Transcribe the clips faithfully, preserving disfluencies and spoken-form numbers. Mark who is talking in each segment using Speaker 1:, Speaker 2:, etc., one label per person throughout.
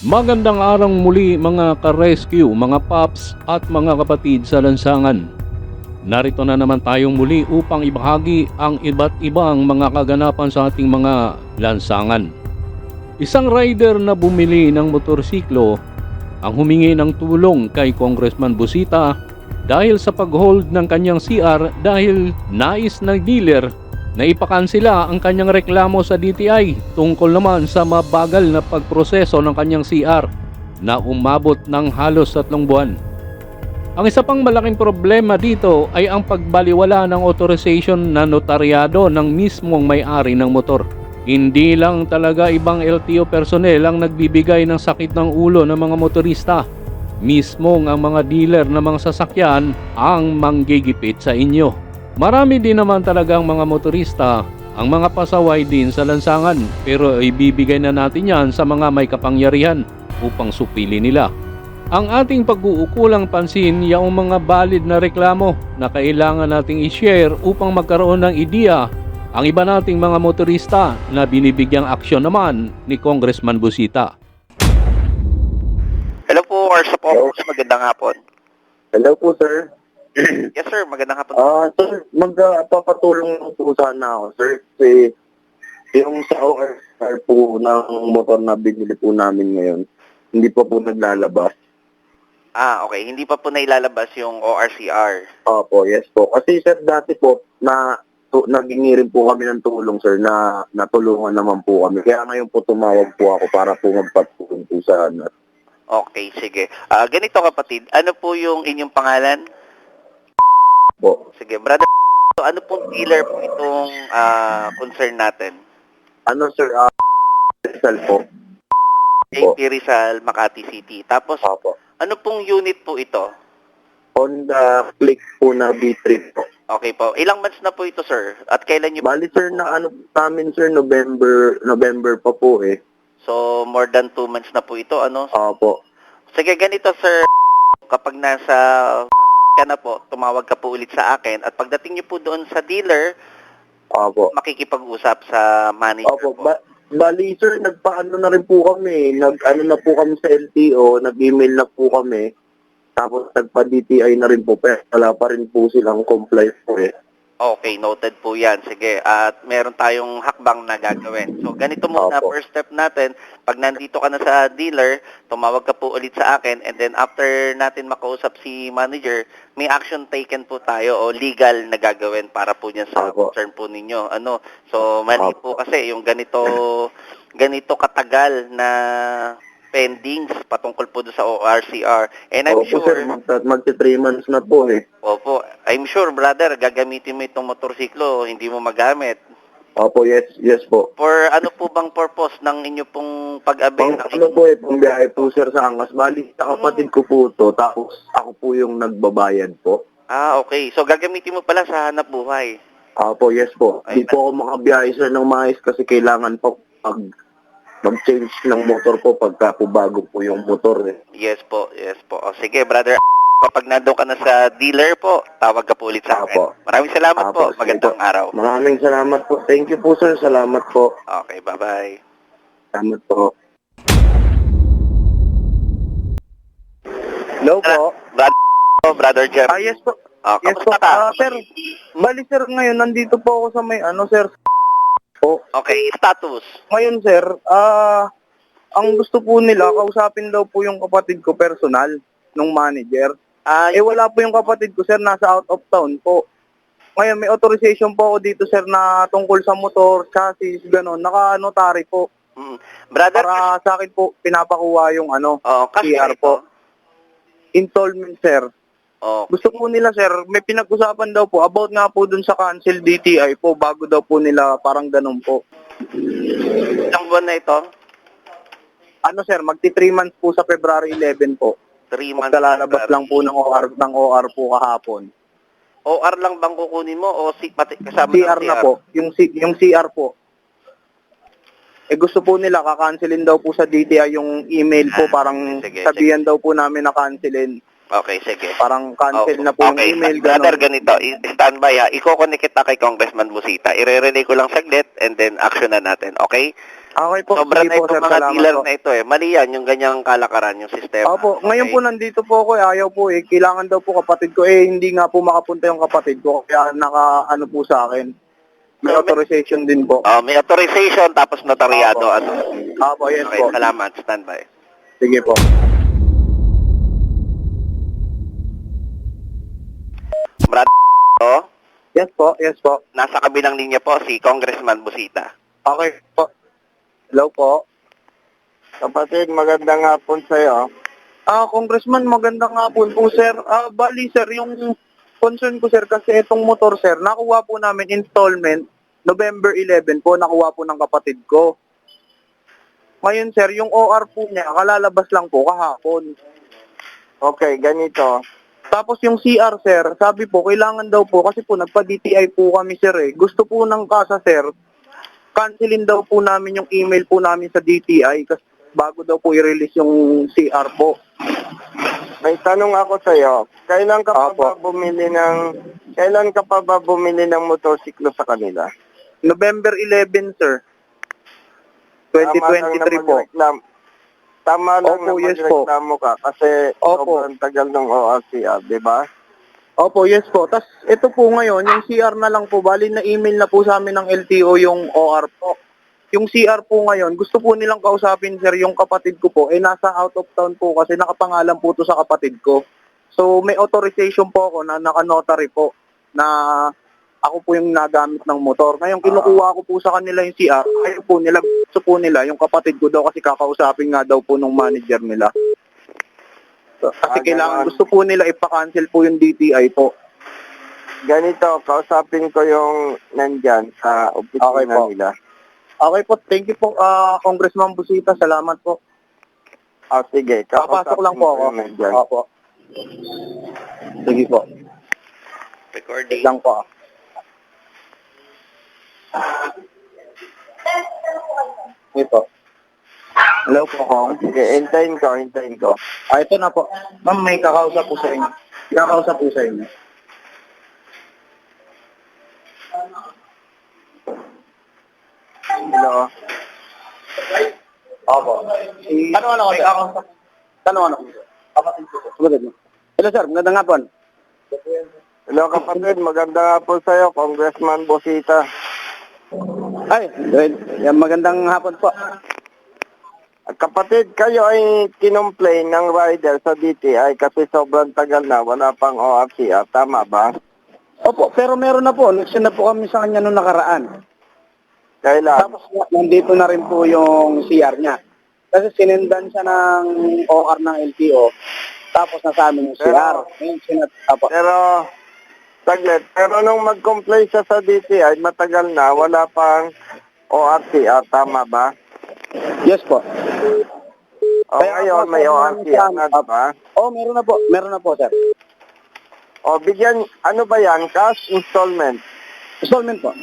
Speaker 1: Magandang araw muli mga ka-rescue, mga paps at mga kapatid sa lansangan. Narito na naman tayong muli upang ibahagi ang iba't ibang mga kaganapan sa ating mga lansangan. Isang rider na bumili ng motorsiklo ang humingi ng tulong kay Congressman Busita dahil sa pag-hold ng kanyang C R dahil nais ng dealer na ipakansela ang kanyang reklamo sa D T I tungkol naman sa mabagal na pagproseso ng kanyang C R na umabot ng halos tatlong buwan. Ang isa pang malaking problema dito ay ang pagbaliwala ng authorization na notaryado ng mismong may-ari ng motor. Hindi lang talaga ibang L T O personnel ang nagbibigay ng sakit ng ulo ng mga motorista. Mismong ang mga dealer ng mga sasakyan ang manggigipit sa inyo. Marami din naman talagang mga motorista ang mga pasaway din sa lansangan, pero ibibigay na natin yan sa mga may kapangyarihan upang supili nila. Ang ating pag-uukulang pansin yung mga valid na reklamo na kailangan nating i-share upang magkaroon ng ideya ang iba nating mga motorista na binibigyang aksyon naman ni Congressman Busita.
Speaker 2: Hello po, Arsa po. Magandang hapon.
Speaker 3: Hello po, sir.
Speaker 2: Yes, sir. Magandang hapon.
Speaker 3: Ah, sir, magpapatulong lang po sana ako, sir. Kasi yung sa O R po ng motor na binili po namin ngayon, hindi pa po naglalabas.
Speaker 2: Ah, okay. Hindi pa po nailalabas yung O R C R.
Speaker 3: Opo, yes po. Kasi sir, dati po, na tu, nagingi rin po kami ng tulong, sir, na natulungan naman po kami. Kaya ngayon po tumawag po ako para po magpatulong po sa ano.
Speaker 2: Okay, sige. Ah, ganito kapatid, ano po yung inyong pangalan?
Speaker 3: Po.
Speaker 2: Sige, brother. So, ano pong dealer po itong ah, concern natin?
Speaker 3: Ano, sir, ah, Rizal po.
Speaker 2: J P Rizal, Makati City. Tapos,
Speaker 3: Opo.
Speaker 2: ano pong unit po ito?
Speaker 3: Honda Click po na B three po.
Speaker 2: Okay po. Ilang months na po ito, sir? At kailan nyo
Speaker 3: Bali, sir, na ano namin, sir, November, November pa po eh.
Speaker 2: So, more than two months na po ito, ano?
Speaker 3: Opo.
Speaker 2: Sige, ganito, sir. Kapag nasa ka na po, tumawag ka po ulit sa akin. At pagdating niyo po doon sa dealer,
Speaker 3: Opo.
Speaker 2: makikipag-usap sa manager
Speaker 3: Opo.
Speaker 2: po.
Speaker 3: Ba- bali, sir, nagpaano na rin po kami. Nag-ano na po kami sa L T O, nag-email na po kami. Tapos nagpa-D T I na rin po. Pero wala pa rin po silang comply po eh.
Speaker 2: Okay, noted po yan. Sige, at meron tayong hakbang na gagawin. So, ganito muna,
Speaker 3: Opo.
Speaker 2: first step natin, pag nandito ka na sa dealer, tumawag ka po ulit sa akin, and then after natin makausap si manager, may action taken po tayo o legal na gagawin para po niyan sa
Speaker 3: Opo.
Speaker 2: concern po ninyo. Ano? So, mali
Speaker 3: Opo.
Speaker 2: po kasi yung ganito, ganito katagal na pendings patungkol po doon sa O R C R. And I'm
Speaker 3: Opo,
Speaker 2: sure...
Speaker 3: sir, mag- magti three months na po eh.
Speaker 2: Opo. I'm sure, brother, gagamitin mo itong motorsiklo, hindi mo magamit.
Speaker 3: Opo, yes, yes po.
Speaker 2: For ano po bang purpose ng inyo pong pag-avail
Speaker 3: Pang
Speaker 2: ng
Speaker 3: ano po eh, pambiyahe po, sir, sa Angas. Bali, sa kapatid ko po to. Tapos ako po yung nagbabayad po.
Speaker 2: Ah, okay. So, gagamitin mo pala sa hanap buhay.
Speaker 3: Opo, yes po.
Speaker 2: Ay,
Speaker 3: Di po ako makabiyahe, sir, ng maayos kasi kailangan po pag mag-change ng motor po pagka po bago po yung motor eh.
Speaker 2: Yes po, yes po. O, sige, brother. Kapag nandun ka na sa dealer po, tawag ka po ulit sa akin.
Speaker 3: Apo.
Speaker 2: Maraming salamat
Speaker 3: Apo,
Speaker 2: po.
Speaker 3: sige
Speaker 2: Magandang
Speaker 3: po.
Speaker 2: araw.
Speaker 3: Maraming salamat po. Thank you po, sir. Salamat po.
Speaker 2: Okay, bye-bye.
Speaker 3: Salamat po. Hello po.
Speaker 2: Brother, brother Jeff.
Speaker 3: Ah, yes po.
Speaker 2: Ah,
Speaker 3: Yes po.
Speaker 2: kamusta ka?
Speaker 3: Ah, sir, bali sir, ngayon nandito po ako sa may ano, sir. Po.
Speaker 2: Okay, status.
Speaker 3: Ngayon, sir, ah, ang gusto po nila, kausapin daw po yung kapatid ko personal, nung manager.
Speaker 2: Ah,
Speaker 3: Eh, wala po yung kapatid ko, sir, nasa out of town po. Ngayon, may authorization po ako dito, sir, na tungkol sa motor, chassis, gano'n. Naka-notary po.
Speaker 2: mm, brother,
Speaker 3: Para sa akin po, pinapakuha yung ano,
Speaker 2: oh, kasi
Speaker 3: C R po. Installment, sir.
Speaker 2: Oh,
Speaker 3: Gusto po nila, sir, may pinag-usapan daw po about nga po dun sa cancel D T I po, bago daw po nila parang ganun po.
Speaker 2: ilang buwan na ito?
Speaker 3: Ano, sir, magti three months po sa February eleven po.
Speaker 2: Three months.
Speaker 3: Magkalalabas lang po ng O R, ng O R po kahapon.
Speaker 2: O R lang bang kukunin mo o si, pati, kasama
Speaker 3: C
Speaker 2: ng
Speaker 3: R na po, yung, C, yung C R po. Eh gusto po nila, kakancelin daw po sa D T I yung email po,
Speaker 2: Ah,
Speaker 3: parang
Speaker 2: sige,
Speaker 3: sabihan daw po namin na cancelin.
Speaker 2: Okay, sige.
Speaker 3: Parang cancel
Speaker 2: Oh,
Speaker 3: na po yung
Speaker 2: okay.
Speaker 3: email.
Speaker 2: Brother,
Speaker 3: Ganun.
Speaker 2: ganito. I- Standby ha. Iko-connect kita kay Congressman Busita. I-relay ko lang saglit and then action na natin. Okay?
Speaker 3: Okay po,
Speaker 2: Sobra
Speaker 3: sige
Speaker 2: na
Speaker 3: po,
Speaker 2: itong
Speaker 3: sir.
Speaker 2: mga
Speaker 3: Salamat
Speaker 2: dealer
Speaker 3: po.
Speaker 2: na ito eh. Mali yan, yung ganyang kalakaran, yung sistema.
Speaker 3: Opo,
Speaker 2: Okay?
Speaker 3: ngayon po nandito po ako eh. Ayaw po eh. Kailangan daw po kapatid ko. Eh, hindi nga po makapunta yung kapatid ko. Kaya naka, ano po sa akin. May
Speaker 2: So, may-
Speaker 3: authorization din po.
Speaker 2: Oh, may authorization tapos notaryado.
Speaker 3: Opo.
Speaker 2: Ano?
Speaker 3: Opo, yes
Speaker 2: Okay,
Speaker 3: po.
Speaker 2: salamat. Standby.
Speaker 3: Sige po.
Speaker 2: Brad, oh,
Speaker 3: Yes po, yes po.
Speaker 2: nasa kabilang linya po si Congressman Busita.
Speaker 3: Okay po. Hello po.
Speaker 4: Kapatid, magandang hapon sa'yo.
Speaker 3: Ah, Congressman, magandang hapon po, sir. Ah, bali, sir, yung concern ko, sir, kasi itong motor, sir, nakuha po namin installment November eleventh po, nakuha po ng kapatid ko. Ngayon, sir, yung O R po niya, kalalabas lang po kahapon.
Speaker 4: Okay, ganito.
Speaker 3: Tapos yung C R, sir, sabi po, kailangan daw po, kasi po nagpa-D T I po kami, sir, eh. Gusto po ng kasa, sir, cancelin daw po namin yung email po namin sa D T I kasi bago daw po i-release yung C R po.
Speaker 4: May tanong ako sa'yo. Kailan ka pa
Speaker 3: Apo.
Speaker 4: ba bumili ng kailan ka pa ba bumili ng motorsiklo sa kanila?
Speaker 3: November eleventh, sir. twenty twenty-three po.
Speaker 4: Magreklam- Tama lang
Speaker 3: Opo,
Speaker 4: na
Speaker 3: yes po.
Speaker 4: magreklamo ka kasi
Speaker 3: Opo.
Speaker 4: sobrang tagal ng O R C R, di ba?
Speaker 3: Opo, yes po. Tapos ito po ngayon, yung C R na lang po, bali na email na po sa amin ng L T O yung O R po. Yung C R po ngayon, gusto po nilang kausapin, sir, yung kapatid ko po, eh nasa out of town po kasi nakapangalan po to sa kapatid ko. So may authorization po ako na naka-notary po na ako po yung nagamit ng motor. Ngayon, kinukuha ko po sa kanila yung C R. Ayaw po nila, gusto po nila, yung kapatid ko daw kasi kakausapin nga daw po nung manager nila. So, kasi
Speaker 4: Ah,
Speaker 3: kailangan,
Speaker 4: ganon.
Speaker 3: gusto po nila ipa-cancel po yung D T I po.
Speaker 4: Ganito, kausapin ko yung nandyan sa opisina
Speaker 3: Okay po.
Speaker 4: nila.
Speaker 3: Okay po, thank you po, ah, Congressman Busita. Salamat po.
Speaker 4: Ah, sige.
Speaker 3: Papasok lang
Speaker 4: kakausapin
Speaker 3: po
Speaker 4: ko
Speaker 3: ako.
Speaker 4: yung nandyan.
Speaker 3: Opo. Sige po.
Speaker 2: Recording.
Speaker 3: Wait lang po. Ito. Hello po, Kong.
Speaker 4: Sige, hintayin ko, hintayin ko.
Speaker 3: Ah, ito na po. Ma'am, may kakausap po sa inyo. Kakausap po sa inyo.
Speaker 4: Hello.
Speaker 3: Opo. Si... Ano ano ko, sir? Kakausap. Ano ano ko, sir? Kapatid ko, sir. Sumunod mo. Hello, sir. Magandang hapon.
Speaker 4: Hello kapatid, magandang hapon sa'yo, Congressman Busita.
Speaker 3: Ay, good. Yan, magandang hapon po.
Speaker 4: Kapatid, kayo ay kinomplain ng rider sa D T I kasi sobrang tagal na, wala pang O R C R, tama ba?
Speaker 3: Opo, pero meron na po. Nag-send na po kami sa kanya nung nakaraan.
Speaker 4: Kailan?
Speaker 3: Tapos nandito na rin po yung C R niya. Kasi sinendan siya ng O R ng L T O. Tapos nasa amin yung C R.
Speaker 4: Pero-
Speaker 3: Ngayon, sinat... Apo.
Speaker 4: Pero, saglit, pero nung mag-complain siya sa D T I, matagal na, wala pang O R C R, tama ba?
Speaker 3: Yes po.
Speaker 4: O
Speaker 3: Kaya
Speaker 4: ngayon,
Speaker 3: ako,
Speaker 4: may
Speaker 3: sir,
Speaker 4: O R C R na,
Speaker 3: Up.
Speaker 4: diba?
Speaker 3: Oh, meron na po. Meron na po, sir.
Speaker 4: O bigyan, ano ba yan? Cash installment.
Speaker 3: Installment po.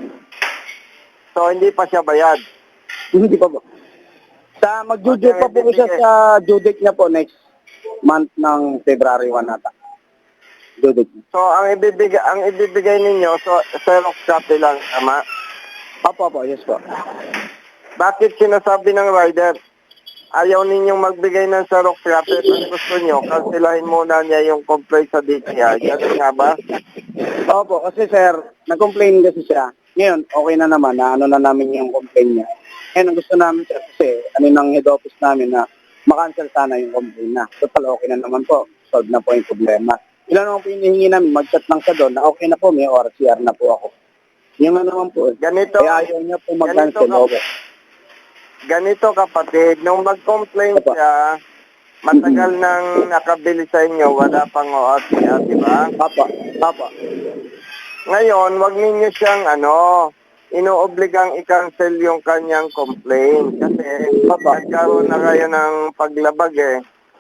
Speaker 4: So, hindi pa siya bayad.
Speaker 3: Hindi pa po. Sa mag-due
Speaker 4: Okay,
Speaker 3: date pa po siya
Speaker 4: bibigay.
Speaker 3: sa due date niya po next month ng February first nata. Due date niya.
Speaker 4: So, ang ibibigay, ang ibibigay ninyo, so, Xerox copy lang, tama?
Speaker 3: Apo, apo. Yes po.
Speaker 4: Bakit sinasabi ng rider, ayaw ninyong magbigay ng Xerox copy? Kung gusto nyo, kansilahin muna niya yung complaint sa D T I. Ganun nga ba?
Speaker 3: Opo, kasi sir, nag-complain kasi siya. Ngayon, okay na naman na ano na namin yung complaint niya. Ngayon, ang gusto namin sir, kasi ano ng head office namin na makancel sana yung complaint na. Total, okay na naman po. Solve na po yung problema. Ilan naman po yung hinihingi namin, mag-chat lang siya doon na okay na po, may O R C R na po ako. Yung ano naman po,
Speaker 4: Ganito,
Speaker 3: kaya ayaw niya po mag-cancel.
Speaker 4: ganito
Speaker 3: Okay.
Speaker 4: ganito kapatid, nung mag-complain
Speaker 3: Apa.
Speaker 4: siya, matagal nang nakabili sa inyo, wala pang O R C R, di ba?
Speaker 3: Papa, papa.
Speaker 4: Ngayon, wag ninyo siyang ano, inuobligang i-cancel yung kanyang complaint kasi
Speaker 3: Apa.
Speaker 4: nagkaroon na kayo ng paglabag eh.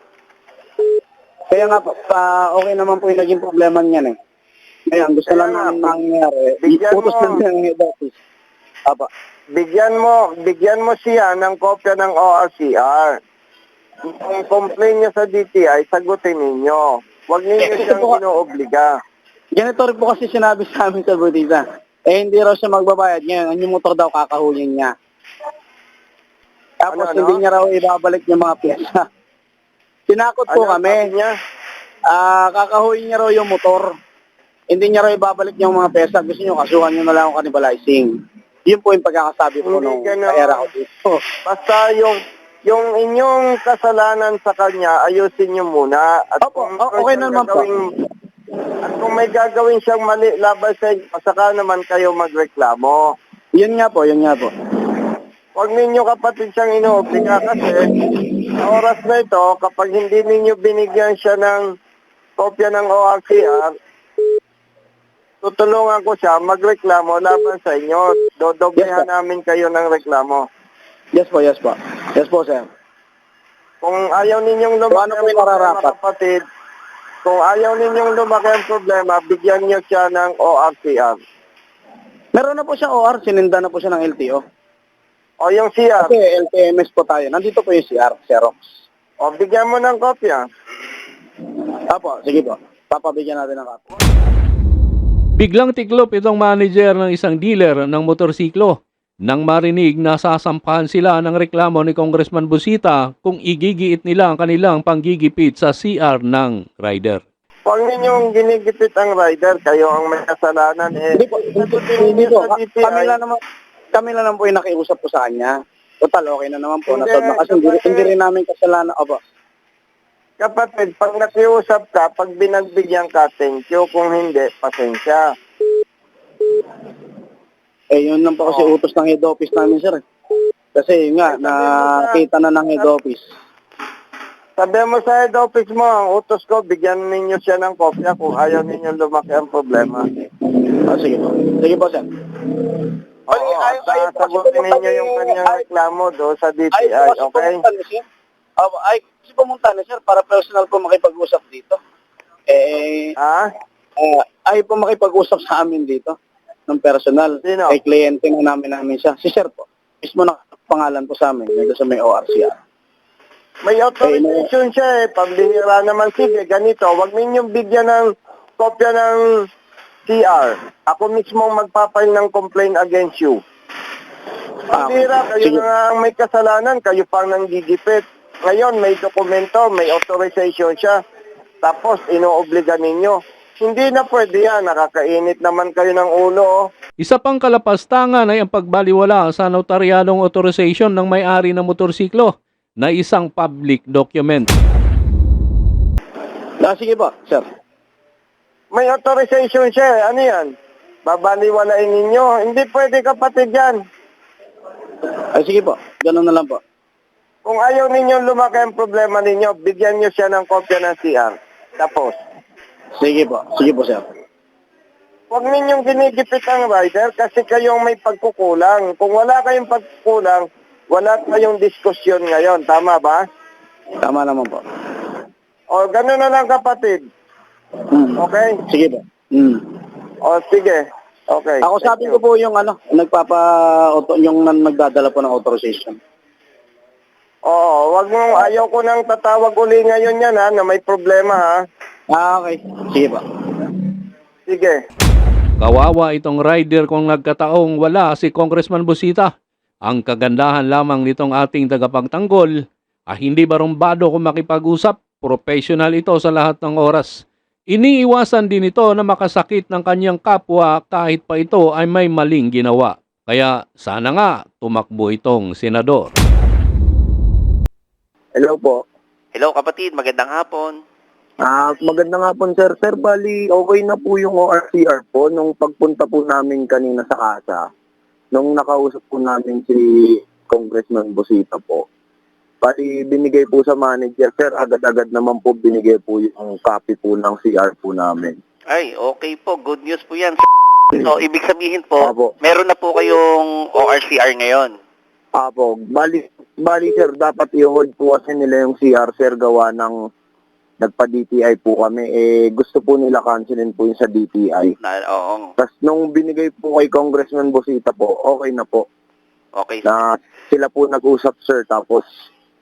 Speaker 3: Kaya nga po, pa, okay naman po yung naging problema niyan eh. Ngayon, gusto
Speaker 4: Kaya
Speaker 3: lang
Speaker 4: nga,
Speaker 3: namin
Speaker 4: pa-
Speaker 3: nangyari.
Speaker 4: bigyan
Speaker 3: Iputos
Speaker 4: mo.
Speaker 3: lang siya ng head office. Papa.
Speaker 4: Bigyan mo, bigyan mo siya ng kopya ng O R C R. Kung complain niya sa D T I, sagutin ninyo. Huwag ninyo
Speaker 3: Eh,
Speaker 4: siyang
Speaker 3: ito po-
Speaker 4: inoobliga.
Speaker 3: Ganito rin po kasi sinabi sa amin sa Budita. Eh, hindi raw siya magbabayad ngayon. Ang yung motor daw kakahulin niya. Tapos
Speaker 4: Ano, ano?
Speaker 3: hindi niya raw ibabalik yung mga pyesa. Tinakot po
Speaker 4: Ano
Speaker 3: kami.
Speaker 4: sabi niya?
Speaker 3: Ah, kakahulin niya raw yung motor. Hindi niya raw ibabalik yung mga pyesa. Gusto niyo kasuhan niyo na lang ang cannibalizing. Yun po yung pagkakasabi po
Speaker 4: Hindi
Speaker 3: nung
Speaker 4: ganun.
Speaker 3: kayara ko dito.
Speaker 4: Basta yung yung inyong kasalanan sa kanya, ayusin niyo muna. At
Speaker 3: Opo,
Speaker 4: kung
Speaker 3: o- okay
Speaker 4: siyang
Speaker 3: naman po.
Speaker 4: gagawing- At kung may gagawin siyang mali laban sa inyo, saka naman kayo magreklamo.
Speaker 3: Yun nga po, yun nga po.
Speaker 4: Huwag ninyo kapatid siyang inoobliga kasi sa oras na ito, kapag hindi ninyo binigyan siya ng kopya ng O R C R, tutulungan ko siya magreklamo laban sa inyo. Dodoblehan
Speaker 3: Yes, sir.
Speaker 4: namin kayo ng reklamo.
Speaker 3: Yes po, yes po. Yes po, sir.
Speaker 4: Kung ayaw ninyong
Speaker 3: So,
Speaker 4: lumaki
Speaker 3: ano po
Speaker 4: ang
Speaker 3: yung
Speaker 4: problema,
Speaker 3: nararapat?
Speaker 4: kapatid, kung ayaw ninyong lumaki ang problema, bigyan niyo siya ng O R C R.
Speaker 3: Meron na po siya O R, sininda na po siya ng L T O.
Speaker 4: O yung C R,
Speaker 3: Kasi L T M S po tayo. Nandito po yung C R, Xerox.
Speaker 4: o bigyan mo ng kopya.
Speaker 3: Apo, sige po. Papabigyan natin ng kapo.
Speaker 1: Biglang tiklop itong manager ng isang dealer ng motorsiklo nang marinig na sasampahan sila ng reklamo ni Congressman Busita kung igigiit nila ang kanilang panggigipit sa C R ng rider.
Speaker 4: Huwag ninyong ginigipit ang rider, kayo ang may kasalanan. Eh,
Speaker 3: Hindi po, hindi,
Speaker 4: sagutin
Speaker 3: hindi
Speaker 4: ninyo
Speaker 3: po.
Speaker 4: sa D T I.
Speaker 3: Kami lang naman, kami lang naman po yung nakiusap po sa kanya. Total, okay na naman po.
Speaker 4: Hindi,
Speaker 3: Nasolve na kasi hindi,
Speaker 4: kapatid.
Speaker 3: hindi rin namin kasalanan. Opo.
Speaker 4: Kapatid, pag nakiusap ka, pag binagbigyan ka, thank you. Kung hindi, pasensya.
Speaker 3: Eh, yun lang po kasi
Speaker 4: Oo.
Speaker 3: utos ng head office namin, sir. Kasi yun nga,
Speaker 4: Ay, sabihin mo sa-
Speaker 3: nakita na ng head office.
Speaker 4: Sabi mo sa head office mo, ang utos ko, bigyan ninyo siya ng kopya kung ayaw ninyo lumaki ang problema.
Speaker 3: Ah, sige po. Sige po, sir.
Speaker 4: Oo,
Speaker 3: Ay,
Speaker 4: at
Speaker 3: ay,
Speaker 4: uh,
Speaker 3: ay,
Speaker 4: sagutin
Speaker 3: pumunta
Speaker 4: ninyo
Speaker 3: ni-
Speaker 4: yung kanyang
Speaker 3: ay-
Speaker 4: reklamo do sa D T
Speaker 3: Ay,
Speaker 4: I,
Speaker 3: po kasi
Speaker 4: okay?
Speaker 3: pumunta na siya. Ah, ay, kasi pumunta na, sir, para personal po makipag-usap dito. Eh,
Speaker 4: Ha?
Speaker 3: ah, ay po makipag-usap sa amin dito ng personal.
Speaker 4: Sino?
Speaker 3: Kay kliyente na namin namin siya. Si sir po. Mismo na pangalan po sa amin. Dito sa may O R C R.
Speaker 4: May authorization siya eh, pambihira naman. Sige, ganito, wag ninyong bigyan ng kopya ng C R. Ako mismo ang magpapail ng complaint against you.
Speaker 3: Ah,
Speaker 4: Pambihira, kayo
Speaker 3: sige.
Speaker 4: na nga ang may kasalanan, kayo pang nanggigipit. Ngayon, may dokumento, may authorization siya. Tapos, inoobliga ninyo. Hindi na pwede yan. Nakakainit naman kayo ng ulo. Oh.
Speaker 1: Isa pang kalapastangan ay ang pagbaliwala sa notaryadong authorization ng may-ari ng motorsiklo na isang public document.
Speaker 3: Ah, sige po, sir.
Speaker 4: May authorization siya eh. Ano yan? Babaliwalain ninyo. Hindi pwede kapatid yan.
Speaker 3: Ay, sige po. Ganun na lang po.
Speaker 4: Kung ayaw ninyo lumaki ang problema ninyo, bigyan nyo siya ng kopya ng C R. Tapos,
Speaker 3: Sige po. Sige po, sir.
Speaker 4: huwag ninyong ginigipit ang rider kasi kayong may pagkukulang. Kung wala kayong pagkukulang, wala kayong diskusyon ngayon. Tama ba?
Speaker 3: Tama naman po.
Speaker 4: O, gano'n na lang kapatid.
Speaker 3: Hmm.
Speaker 4: Okay?
Speaker 3: Sige po. Hmm.
Speaker 4: O, sige. Okay.
Speaker 3: Ako
Speaker 4: Thank
Speaker 3: sabi
Speaker 4: you.
Speaker 3: ko po yung ano, nagpapa auto, yung nan- nagdadala po ng authorization.
Speaker 4: Oo, wag mong ayaw ko nang tatawag uli ngayon yan ha, na may problema ha.
Speaker 3: Ah, okay. Sige po.
Speaker 4: Sige.
Speaker 1: Kawawa itong rider kung nagkataong wala si Congressman Busita. Ang kagandahan lamang nitong ating tagapagtanggol ay hindi barumbado kung makipag-usap. Professional ito sa lahat ng oras. Iniiwasan din ito na makasakit ng kanyang kapwa kahit pa ito ay may maling ginawa. Kaya sana nga tumakbo itong senador.
Speaker 3: Hello po.
Speaker 2: Hello kapatid, magandang hapon.
Speaker 3: Ah, maganda nga po, sir. Sir, bali, okay na po yung O R C R po nung pagpunta po namin kanina sa kasa. Nung nakausap po namin si Congressman Busita po. Bali, binigay po sa manager, sir, agad-agad naman po binigay po yung copy po ng C R po namin.
Speaker 2: Ay, okay po. Good news po yan. So, ibig sabihin po,
Speaker 3: Apo.
Speaker 2: meron na po kayong O R C R ngayon.
Speaker 3: Apo, bali, bali, sir, dapat i-hold po kasi nila yung C R, sir, gawa ng nagpa-D T I po kami. Eh, gusto po nila cancelin po yung sa D T I.
Speaker 2: Na, oo.
Speaker 3: Tapos nung binigay po kay Congressman Busita po, okay na po.
Speaker 2: Okay.
Speaker 3: Na sila po nag-usap, sir, tapos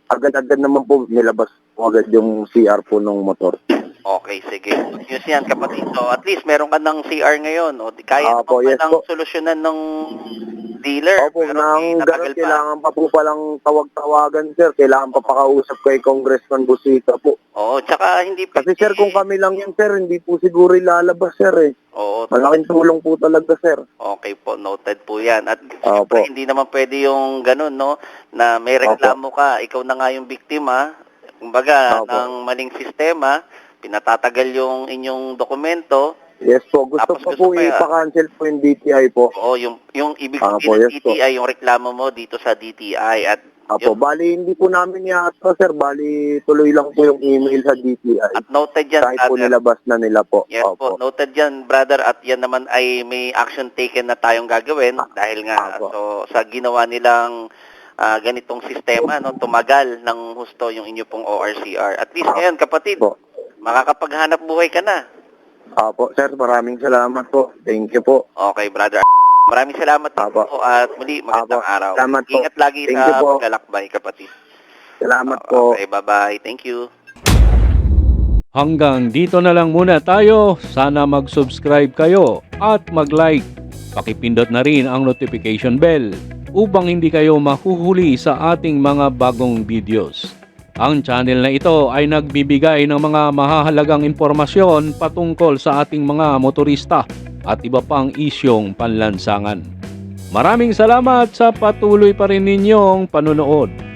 Speaker 3: agad-agad naman po nilabas po agad yung C R po ng motor.
Speaker 2: Okay, sige. Yun yan, kapatid. So, at least meron ka ng C R ngayon. O, di kaya
Speaker 3: Apo,
Speaker 2: naman
Speaker 3: yes
Speaker 2: pa ng
Speaker 3: po.
Speaker 2: solusyonan ng dealer.
Speaker 3: Opo,
Speaker 2: pero
Speaker 3: nang
Speaker 2: di
Speaker 3: ganun
Speaker 2: natagal pa.
Speaker 3: kailangan pa po palang tawag-tawagan, sir. Kailangan pa pakausap kay Congressman Busita po.
Speaker 2: Oo, tsaka hindi
Speaker 3: Kasi
Speaker 2: pwede-
Speaker 3: sir, kung kami lang yan, sir, hindi po siguro ilalabas, sir, eh.
Speaker 2: Oo,
Speaker 3: Malaking tulong po talaga, sir.
Speaker 2: okay po, noted po yan. At
Speaker 3: Opo.
Speaker 2: siyempre, hindi naman pwede yung ganun, no? Na may reklamo ka, ikaw na nga yung biktima, kumbaga,
Speaker 3: Opo.
Speaker 2: ng maling sistema, pinatatagal yung inyong dokumento.
Speaker 3: Yes po, gusto
Speaker 2: Tapos
Speaker 3: pa
Speaker 2: gusto
Speaker 3: po
Speaker 2: pa,
Speaker 3: ipa-cancel po yung D T I po.
Speaker 2: Oo, yung, yung ibig
Speaker 3: Opo,
Speaker 2: sabihin ng
Speaker 3: yes
Speaker 2: D T I, yung reklamo mo dito sa D T I. At,
Speaker 3: Apo,
Speaker 2: yun-
Speaker 3: bali hindi po namin yata, sir. Bali tuloy lang po yung email sa D T I.
Speaker 2: at noted yan,
Speaker 3: Kahit po
Speaker 2: brother.
Speaker 3: nilabas na nila po.
Speaker 2: Yes po,
Speaker 3: Opo.
Speaker 2: noted yan, brother. At yan naman ay may action taken na tayong gagawin dahil nga
Speaker 3: Opo.
Speaker 2: so, sa ginawa nilang ah, ganitong sistema, no, tumagal ng husto yung inyo pong O R C R. At least ngayon, kapatid,
Speaker 3: Po.
Speaker 2: makakapaghanap buhay ka na.
Speaker 3: Opo, sir. Maraming salamat po. Thank you po.
Speaker 2: Okay, brother. Maraming salamat din
Speaker 3: Apo.
Speaker 2: po at muli magandang
Speaker 3: Apo.
Speaker 2: araw.
Speaker 3: Salamat po.
Speaker 2: Ingat lagi
Speaker 3: Thank
Speaker 2: sa
Speaker 3: you po.
Speaker 2: paglalakbay, kapatid.
Speaker 3: Salamat po.
Speaker 2: Okay, bye-bye. Thank you.
Speaker 1: Hanggang dito na lang muna tayo. Sana mag-subscribe kayo at mag-like. Pakipindot na rin ang notification bell upang hindi kayo mahuhuli sa ating mga bagong videos. Ang channel na ito ay nagbibigay ng mga mahahalagang impormasyon patungkol sa ating mga motorista at iba pang isyong panlansangan. Maraming salamat sa patuloy pa rin ninyong panunood.